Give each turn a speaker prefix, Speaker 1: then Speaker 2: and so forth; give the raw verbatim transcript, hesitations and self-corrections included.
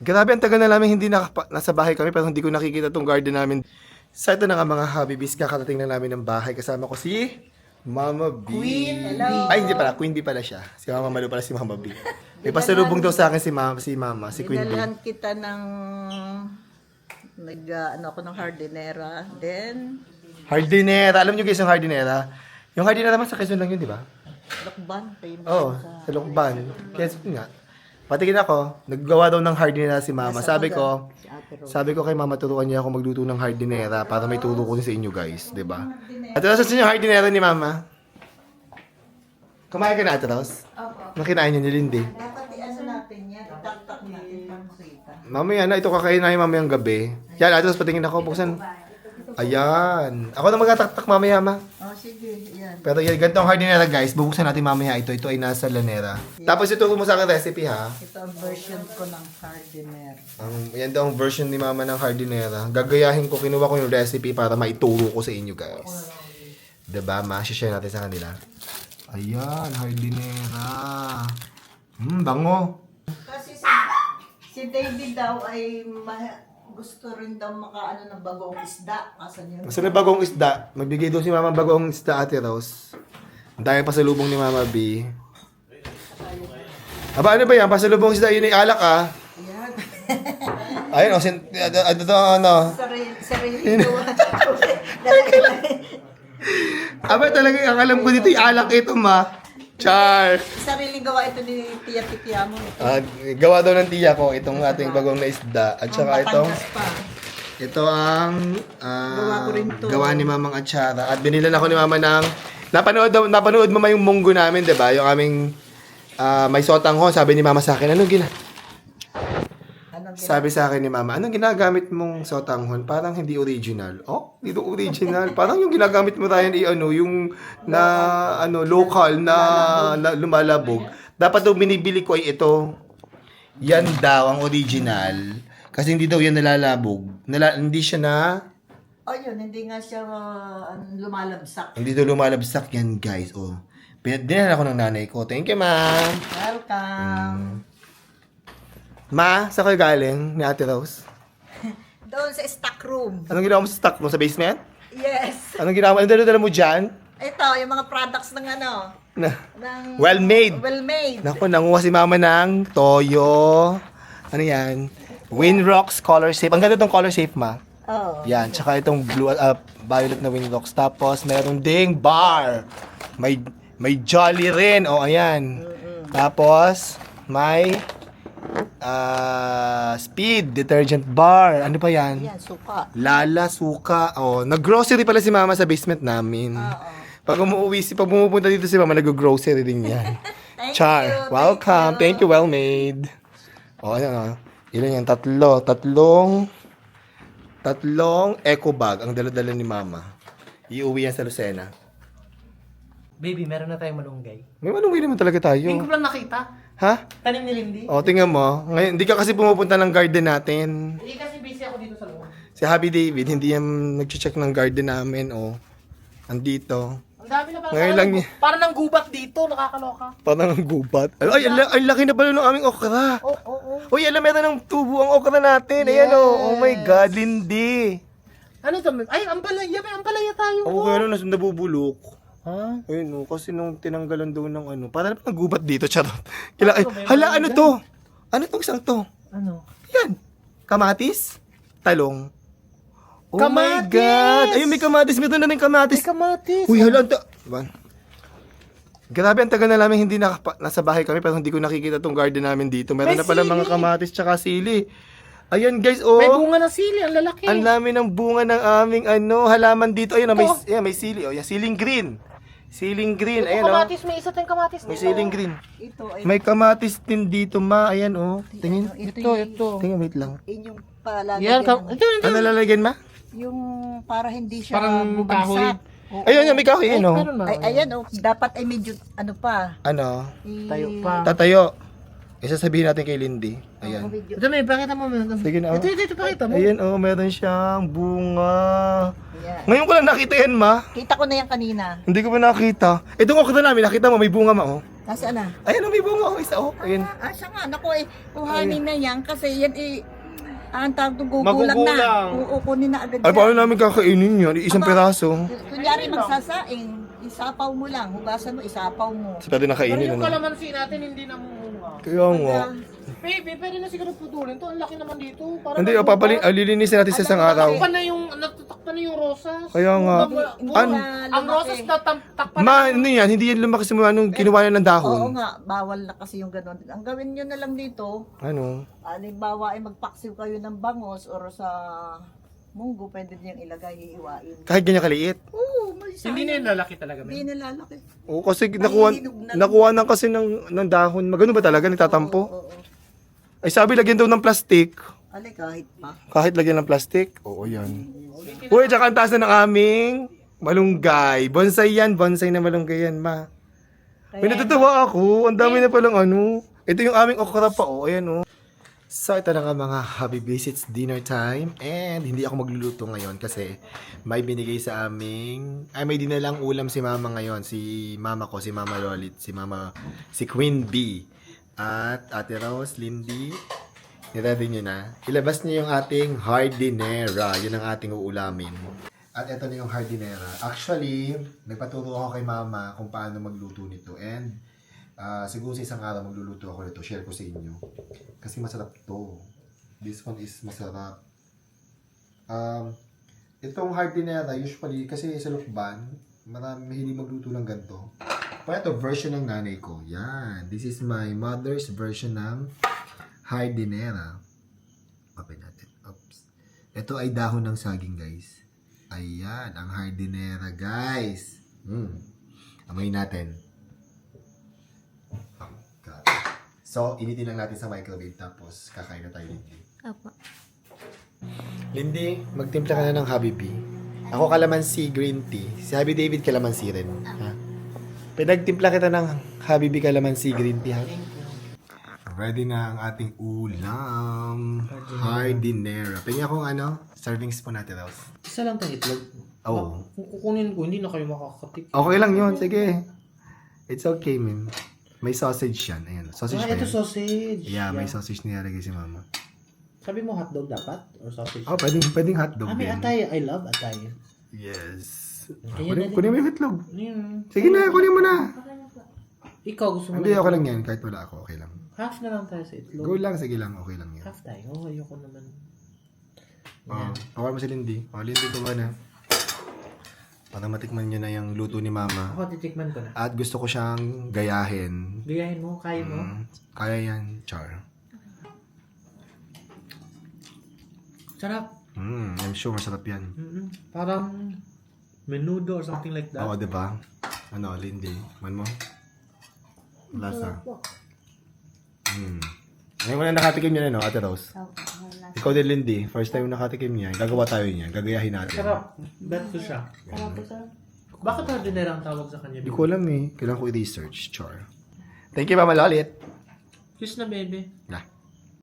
Speaker 1: Grabe, ang tagal na namin hindi nakapa- nasa bahay kami pero hindi ko nakikita tong garden namin. Sa ito na nga mga Habibis, kakarating na namin ng bahay. Kasama ko si Mama B.
Speaker 2: Queen Hello.
Speaker 1: Ay, hindi pala. Queen B pala siya. Si Mama Malu pala si Mama B. May pasalubong daw sa akin si Mama, si Mama, si Queen B.
Speaker 2: Dinalhan kita ng nag uh, ano ako ng hardinera. Then
Speaker 1: Hardinera. Alam niyo guys yung hardinera? Yung hardinera naman sa Quezon lang yun, di ba?
Speaker 2: lakban famous
Speaker 1: Oo,
Speaker 2: sa
Speaker 1: sa Lukban. Quezon nga. Patingin ako, naggawa daw ng hardinera si Mama. Sabi ko,
Speaker 2: si Ate Rose.
Speaker 1: sabi ko kay Mama, turuan niya ako magluto ng hardinera para may turo ko din sa inyo guys, di ba? Ate Rose, saan yung hardinera ni Mama? Kumain ka na, Ate Rose?
Speaker 2: Opo.
Speaker 1: Nakinain niyo ni Lindy.
Speaker 2: Dapat i-ano natin yan, itaktak natin pang kita.
Speaker 1: Mamaya na, ito kakain namin mamayang gabi. Yan, Ate Rose, patingin ako, buksan. Ayan. Ako na magtataktak mamaya, Ma.
Speaker 2: Oh, sige, yan.
Speaker 1: Pero yan, ganito ang hardinera guys. Bubuksan natin mamaya ito. Ito ay nasa lanera. Tapos ituro mo sa akin recipe ha.
Speaker 2: Ito ang version ko ng hardinera.
Speaker 1: Ang, yan daw ang version ni Mama ng hardinera. Gagayahin ko, kinuha ko yung recipe para maituro ko sa inyo guys. Diba, Ma? Share natin sa kanila. Ayan, hardinera. Hmm, bango.
Speaker 2: Kasi si, si David daw ay ma- gusto rin daw makaano ng bagong isda. Kasan yun?
Speaker 1: Basta na bagong isda. Magbigay daw si Mama bagong isda, Ate Rose. Ang dami pasalubong ni Mama B. Aba, ano ba yan? Pasalubong isda, yun ay alak ah.
Speaker 2: Yan.
Speaker 1: Ayun, o, sin- ano to, ano?
Speaker 2: Sarili, sarili ko.
Speaker 1: Aba, talaga, ang alam ko dito, yung alak ito, Ma. Char!
Speaker 2: Sariling gawa ito ni Tia Titia mo. Ito.
Speaker 1: Ah, gawa daw ng tiya ko itong ating bagong na isda. At saka
Speaker 2: Ang
Speaker 1: itong,
Speaker 2: Batangas pa.
Speaker 1: ito ang ah,
Speaker 2: Gawa ko rin to.
Speaker 1: gawa ni Mamang Atsara. At binilan ako ni Mama ng, napanood, daw- napanood mo ma yung munggo namin, di ba? Yung aming ah, may sotang ho. Sabi ni Mama sa akin, anong gina?
Speaker 2: Anong gina-
Speaker 1: Sabi sa akin ni Mama, anong ginagamit mong sotanghon? Parang hindi original. Oh, hindi to original. Parang yung ginagamit mo Ryan, i ano, yung na ano local na, na lumalabog. Dapat daw binibili ko ay ito. Yan daw ang original. Kasi hindi daw yan nalalabog. Nala, hindi siya na,
Speaker 2: Oh, yun. Hindi nga siya uh, lumalabsak.
Speaker 1: hindi daw lumalabsak yan guys. Oh. Dinala ako ng nanay ko. Thank you, Ma.
Speaker 2: Welcome.
Speaker 1: Ma, saan kayo galing ni Ate Rose?
Speaker 2: Doon sa stock room.
Speaker 1: Anong ginawa mo sa stock mo sa basement?
Speaker 2: Yes.
Speaker 1: Anong ginawa mo? Anong dala-dala mo dyan?
Speaker 2: Ito, yung mga products ng ano.
Speaker 1: Na,
Speaker 2: Ng
Speaker 1: well made.
Speaker 2: well made.
Speaker 1: Naku, nanguha si Mama ng toyo. Ano yan? Winrocks color safe. Ang ganda tong color safe, Ma.
Speaker 2: Oh.
Speaker 1: Yan. Tsaka itong blue, uh, violet na Winrocks. Tapos, meron ding bar. May, may Jolly rin. O, ayan. Tapos, may uh, Speed detergent bar. Ano pa yan?
Speaker 2: Yan, suka.
Speaker 1: Lala, suka. Oh, nag-grocery pala si Mama sa basement namin.
Speaker 2: Oo.
Speaker 1: Pag umuwi si pag pumupunta dito si Mama, nag-grocery din yan.
Speaker 2: Thank
Speaker 1: Char,
Speaker 2: you,
Speaker 1: welcome. Thank you, well made. O, ano, ano. Ilan yan? Tatlo. Tatlong, tatlong eco bag ang dala-dala ni Mama. Iuwi yan sa Lucena.
Speaker 3: Baby, meron na tayong malunggay.
Speaker 1: May manungwi naman talaga tayo.
Speaker 3: Hindi ko lang nakita.
Speaker 1: Ha?
Speaker 3: Tanim ni Lindy.
Speaker 1: O, tingnan mo. Ngayon, hindi ka kasi pumupunta ng garden natin.
Speaker 3: Hindi kasi busy ako dito sa loob.
Speaker 1: Si Happy David, hindi yan nag-check ng garden namin. O, andito.
Speaker 3: Ang dami na pala.
Speaker 1: Ngayon
Speaker 3: parang,
Speaker 1: lang niya.
Speaker 3: Parang nang gubat dito, nakakaloka.
Speaker 1: Parang ang gubat. Ay, ang, la- ang laki na pala ng aming okra.
Speaker 3: Oo, oo, oo.
Speaker 1: Uy, alam, meron ng tubo ang okra natin. Ayan o. Oh my God, Lindy.
Speaker 3: Ano to? Ay, ampalaya. May ampalaya tayo.
Speaker 1: Ako kaya nung nasa nabubulok.
Speaker 3: Ha?
Speaker 1: Ayun o, kasi nung tinanggalan daw ng ano. Parang naman nagubat dito, charot. Kila, ay, hala, ano to? Ano tong isang to?
Speaker 3: Ano?
Speaker 1: Yan. Kamatis? Talong. Oh my
Speaker 3: Kamatis!
Speaker 1: God. Ayun, may kamatis. Meron na rin kamatis.
Speaker 3: May kamatis.
Speaker 1: Uy, hala, ang ta- Diba? Grabe, ang tagal na namin hindi nakapa- nasa bahay kami pero hindi ko nakikita tong garden namin dito. Meron
Speaker 3: May
Speaker 1: na pala mga
Speaker 3: sili.
Speaker 1: kamatis tsaka sili. Ayan guys, oh.
Speaker 3: May bunga ng sili. Ang lalaki.
Speaker 1: Ang dami ng bunga ng aming ano, halaman dito. Ayun, oh, may,
Speaker 3: Ito.
Speaker 1: ayan, may sili. Oh, yan, siling green. Siling green,
Speaker 3: Ito
Speaker 1: ayan oh.
Speaker 3: kamatis. May isa tayong kamatis.
Speaker 1: May
Speaker 3: dito.
Speaker 1: siling green.
Speaker 2: Ito ay
Speaker 1: May kamatis din dito, ma. Ayan oh. Tingin.
Speaker 3: Ito, ito.
Speaker 1: Tingin, wait lang.
Speaker 2: inyong palagay.
Speaker 3: Yan. Ka- ito, ito.
Speaker 1: Ano lalagyan, ma?
Speaker 2: Yung para hindi siya
Speaker 3: Parang
Speaker 2: bumagsak. Oo.
Speaker 1: Ayun, yan, may kahoy. Ayan oh.
Speaker 3: Meron na.
Speaker 2: Ay, ayan oh, dapat ay medyo ano pa.
Speaker 1: Ano?
Speaker 2: i-
Speaker 3: Tayo pa.
Speaker 1: Tatayo. Isasabihin natin kay Lindy. Ayan.
Speaker 2: medyo-
Speaker 3: Ito, may pakita mo. Ito,
Speaker 1: Sige na, oh.
Speaker 3: ito, ito, ito, pakita mo.
Speaker 1: Ayan oh, meron siyang bunga.
Speaker 2: Ayan.
Speaker 1: Ngayon ko lang nakita yan, ma.
Speaker 2: Kita ko na yan kanina.
Speaker 1: Hindi ko pa nakita. Itong okra namin, nakita mo, may bunga, ma, oh.
Speaker 2: Nasaan na?
Speaker 1: Ayan, may bunga. Oh, isa, oh. Ayan.
Speaker 2: Ah, siya nga. Naku eh, kuhanin na yan kasi yan eh, ang tawag to gugulang
Speaker 3: Magugulang.
Speaker 2: na. Oo, kunin na agad
Speaker 1: Ay,
Speaker 2: yan.
Speaker 1: paano namin kakainin yan? Isang
Speaker 2: Aba.
Speaker 1: piraso.
Speaker 2: Kunyari magsasaing, isapaw mo lang. Hugasan mo, isapaw mo.
Speaker 1: Pwede
Speaker 3: Pero
Speaker 1: nakainin,
Speaker 3: yung
Speaker 1: ano?
Speaker 3: kalamansi natin hindi namumunga.
Speaker 1: Kaya nga.
Speaker 3: Baby, pwede na siguro putulin to. Ang laki naman dito. Para
Speaker 1: Hindi, o papali, ah, lilinisin natin sa isang araw.
Speaker 3: Takpan na yung, natatakpan na yung rosas.
Speaker 1: Kaya nga.
Speaker 2: Hindi
Speaker 1: An-
Speaker 2: na
Speaker 3: Ang
Speaker 2: lumaki.
Speaker 3: rosas na tam- takpan
Speaker 1: Ma, ano yan? Hindi yan lumaki simula nung kinuha na ng
Speaker 2: Oo
Speaker 1: dahon.
Speaker 2: nga, bawal na kasi yung gano'n. Ang gawin nyo na lang dito,
Speaker 1: Ano?
Speaker 2: halimbawa ay magpaksiw kayo ng bangos or sa munggo, pwede niyang ilagay, iiwain.
Speaker 1: Kahit ganyan kaliit.
Speaker 2: Oo, may
Speaker 3: Hindi na yung lalaki talaga.
Speaker 2: Hindi
Speaker 3: Men.
Speaker 2: nilalaki.
Speaker 1: Oo, kasi nakuha,
Speaker 2: Mahihinog na-
Speaker 1: nakuha na kasi ng, ng dahon. Magano ba talaga? Nagtatampo?
Speaker 2: Oo, oo.
Speaker 1: Ay, sabi, lagyan daw ng plastic.
Speaker 2: Alay, kahit pa.
Speaker 1: Kahit lagyan ng plastic? Oo, yan. Uy, tsaka ang taas na ng aming malunggay. Bonsai yan. Bonsai na malunggay yan, ma. May natutuwa ako. Ang dami na palang ano. Ito yung aming okra pa, oh. Ayan, oh. So, ito na nga mga Habibis. It's dinner time. And hindi ako magluluto ngayon kasi may binigay sa aming... Ay, may dinalang ulam si mama ngayon. Si mama ko, si mama Lolit, si mama... Si Queen Bee. At Ate Rose, Lindy. Niready nyo na. Ilabas niyo yung ating hardinera. Yun ang ating uulamin. At ito na yung hardinera. Actually, nagpaturo ako kay mama kung paano magluto nito. And ah, siguro sa isang araw magluluto ako nito. Share ko sa inyo. Kasi masarap to. This one is masarap. Um, itong hardinera, usually, kasi sa lukban, marami mahilig magluto ng ganito. Pero ito, version ng nanay ko. Yan. This is my mother's version ng hardinera. Open natin. Oops. Ito ay dahon ng saging, guys. Ayan, ang hardinera, guys. Mm. Amoy natin. Oh, God. So, initin lang natin sa microwave tapos kakain na tayo, Lindy.
Speaker 2: Apa.
Speaker 1: Lindy, magtimpla ka na ng Habibi. Ako kalamansi green tea. Si Habi David kalamansi rin. Ha? Pinagtimpla kita ng Habibi kalamansi green tea, ha? Ready na ang ating ulam. Hardinera. Pwede akong ano, serving spoon natin, Rose.
Speaker 3: Isa lang tayong itlog.
Speaker 1: Oo.
Speaker 3: Kung kukunin ko, hindi na kayo makakatik.
Speaker 1: Okay lang yun, sige. It's okay, man. May sausage yan. Ayan, sausage
Speaker 3: Ah,
Speaker 1: pa
Speaker 3: ito
Speaker 1: yan.
Speaker 3: sausage.
Speaker 1: Yeah, may sausage nilalagay si mama.
Speaker 3: Sabi mo hotdog dapat? Or sausage?
Speaker 1: Oh, pwedeng, pwedeng hotdog
Speaker 3: Ah, may
Speaker 1: din.
Speaker 3: atay. I love atay.
Speaker 1: Yes.
Speaker 3: Kaya
Speaker 1: Kunin,
Speaker 3: na-
Speaker 1: kunin mo yung itlog.
Speaker 3: Yun.
Speaker 1: Sige na, kunin mo na.
Speaker 3: Ikaw gusto mo
Speaker 1: Hindi,
Speaker 3: lang-
Speaker 1: okay lang yan. Kahit wala ako, okay lang.
Speaker 3: Half na lang tayo sa itlog.
Speaker 1: Go lang, sige lang, okay lang yan.
Speaker 3: Half tayo. Oh, ayoko naman.
Speaker 1: Oh, pawar mo si Lindy. Oh, Lindy, kuha na. Para matikman nyo na yung luto ni mama.
Speaker 3: Ako, titikman ko na.
Speaker 1: At gusto ko siyang gayahin.
Speaker 3: Gayahin mo, kaya mo.
Speaker 1: Mm, kaya yan, Char.
Speaker 3: Sarap.
Speaker 1: Mm, I'm sure masarap yan.
Speaker 3: Mm-mm. Parang menudo or something like that.
Speaker 1: Oo, diba? Ano, Lindy? Man mo? Lasa. Mm. Ngayon mo na nakatikim niya, no, Ate Rose? Ikaw din, Lindy. First time nakatikim niya. Gagawa tayo niya. Gagayahin natin.
Speaker 3: Sarap. Bet ko siya. Bakit hardinera ang tawag sa kanya?
Speaker 1: Hindi ko alam eh. Kailangan ko i-research, Char. Thank you, Mama Lolit.
Speaker 3: Kiss na, baby.
Speaker 1: Na.